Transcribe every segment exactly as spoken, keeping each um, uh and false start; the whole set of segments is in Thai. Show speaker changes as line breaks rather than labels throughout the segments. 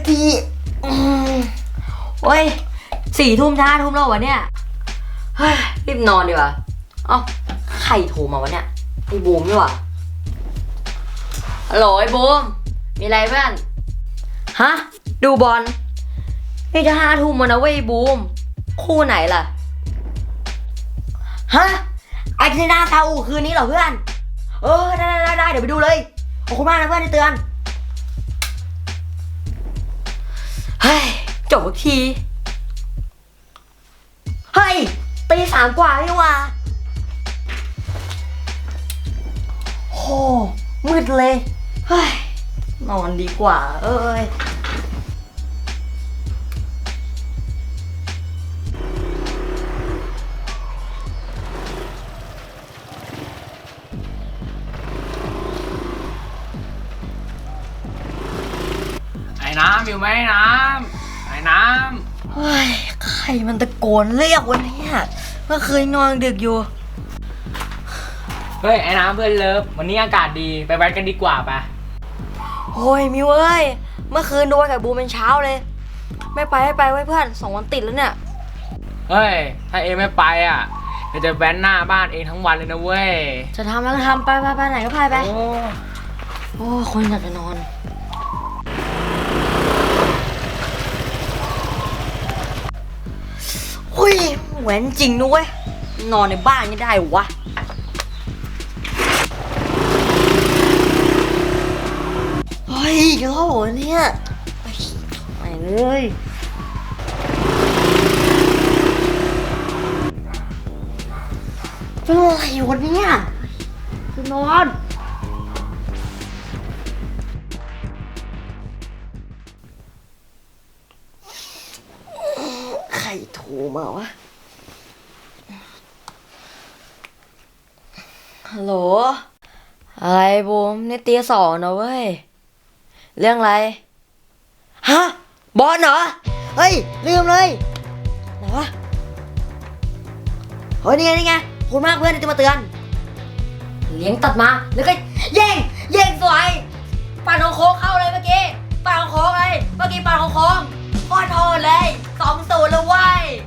ทีโอ้ยสี่ทุ่มช้าทุ่มแล้ววะเนี่ยเฮ้ยรีบนอนดีกว่าเอ้าใครโทรมาวะเนี่ยไอ้บูมนี่หว่าฮัลโหลไอ้บูมมีอะไรเพื่อนฮะดูบอลนี่จะห้าทุ่มแล้วนะเว้ยบูมคู่ไหนล่ะฮะอาร์เจนตินาซาอุคืนนี้เหรอเพื่อนเออได้ได้ได้เดี๋ยวไปดูเลยขอบคุณมากนะเพื่อนที่เตือนเฮ้ยจบทีเฮ้ยตีสามกว่านี่ว่าโหมืดเลยเฮ้ยนอนดีกว่าเอ้ย
ไอ้น้ำอยู่ไหมน้ำไอ้น้ำ
เฮ้ยใครมันตะโกนเรียกวะเนี่ยเมื่อคืนนอนดึกอยู่
เฮ้ยไอ้น้ำเพื่อนเลิฟวันนี้อากาศดีไปแว้นกันดีกว่าปะ
โอ้ยมิวเอ้ยเมื่อคืนโดนกับบูเป็นเช้าเลยไม่ไปไม่ไปไว้เพื่อนสองวันติดแล้วเนี่ย
เฮ้ยถ้าเองไม่ไปอ่ะเดี๋ยวจะแว้นหน้าบ้านเองทั้งวันเลยนะเว้ย
จะทำแล้วก็ทำไปไปไปไหนก็ไปไปโอ้โอ้คนอยากจะนอนเฮ้ยแหวนจริงนุ้ยนอนในบ้านไม่ได้วะเฮ้ยเจ้าหัวเนี่ยไปเลยเป็นอะไรวะเนี่ยจะนอนใครโทรมาวะฮัลโหลอะไรบูมนี่ตีสองนะเว้ยเรื่องอะไรฮะบอลเหรอเฮ้ยลืมเลยไหนวะเฮ้ยนี่ไงนี่ไงขอบคุณมากเพื่อนที่มาเตือนเลี้ยงตัดมาแล้วก็แย่งแย่งสวยปั่นของโค้งเข้าเลยเมื่อกี้ปั่นของโค้งเลยเมื่อกี้ปั่นของโค้งโคตรโหดเลยสองศูนย์แล้วเว้ย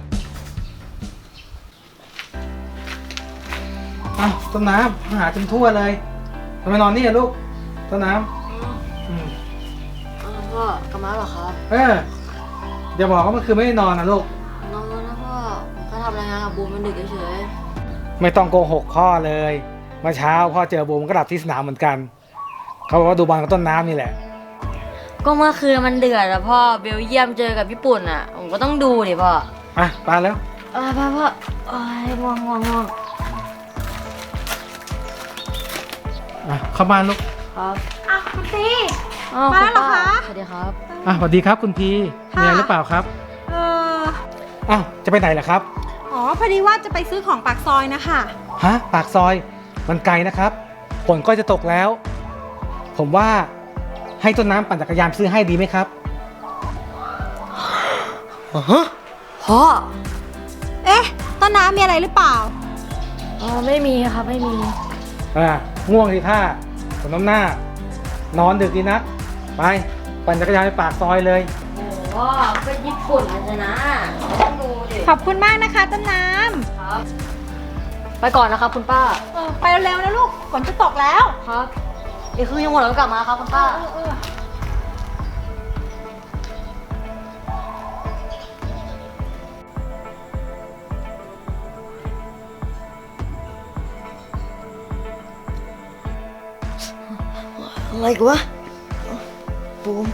อ้าวต้นน้ำหาจนทั่วเลยทำไมนอนนี่อะลูกต้นน้ำอืม
พ่อกลับมาเหรอครับ
เอออย่าบอกว่าเมื่อคืนไม่ได้นอนนะลูก
นอนนะพ่อผมก็ทำรายงานกับบูมมันดึกเฉย
ไม่ต้องโกหกพ่อเลยเมื่อเช้าพ่อเจอบูมก็หลับที่สนามเหมือนกันเขาบอกว่าดูบอลกับต้นน้ำนี่แหละ
ก็เมื่อคืนมันเดือดอะพ่อเบลเยียมเจอกับญี่ปุ่นอะผมก็ต้องดูดิพ่อ
อ่ะไปแล้ว
เออพ่อพ่อเอ้ยง่วงง่วงง่วง
อ่ะเข้าบ้านลูก
ครับ
อ่ะคุณพี
มาแล้วเหรอคะสวัสดีครับ
อ่ะสวัสดีครับคุณพีมีอะไรหรือเปล่าครับ
เออ
อ้าวจะไปไหนล่ะครับ
อ๋อพอดีว่าจะไปซื้อของปากซอยนะคะ
ฮะปากซอยมันไกลนะครับฝนก็จะตกแล้วผมว่าให้ต้นน้ำปั่นจักรยานซื้อให้ดีไหมครับ
ฮะพ่อ
เอ๊ะต้นน้ำมีอะไรหรือเปล่า
อ๋อไม่มีครับไม่มี
อ่าง่วงทีท่าขนน้ำหน้านอนดึกดีนักไปปั่นจักรยานไปปากซอยเลย
โอ้โหก็ญี่ปุ่นนะนะต้องดูดิ
ขอบคุณมากนะคะต้นน้
ำครับไปก่อนนะครับคุณป้า
เออไปเร็วๆนะลูกฝนจะตกแล้ว
ครับอีกคือยังหมดแล้วกลับมาครับคุณป้าอะไรกูวะบูม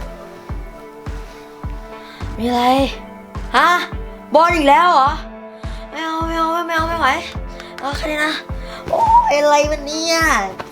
มีอะไรฮะบอลอีกแล้วเหรอไม่เอาไม่เอาไม่เอาไม่ไหวเอาแค่นี้นะโอ้ยอะไรวันนี้อ่ะ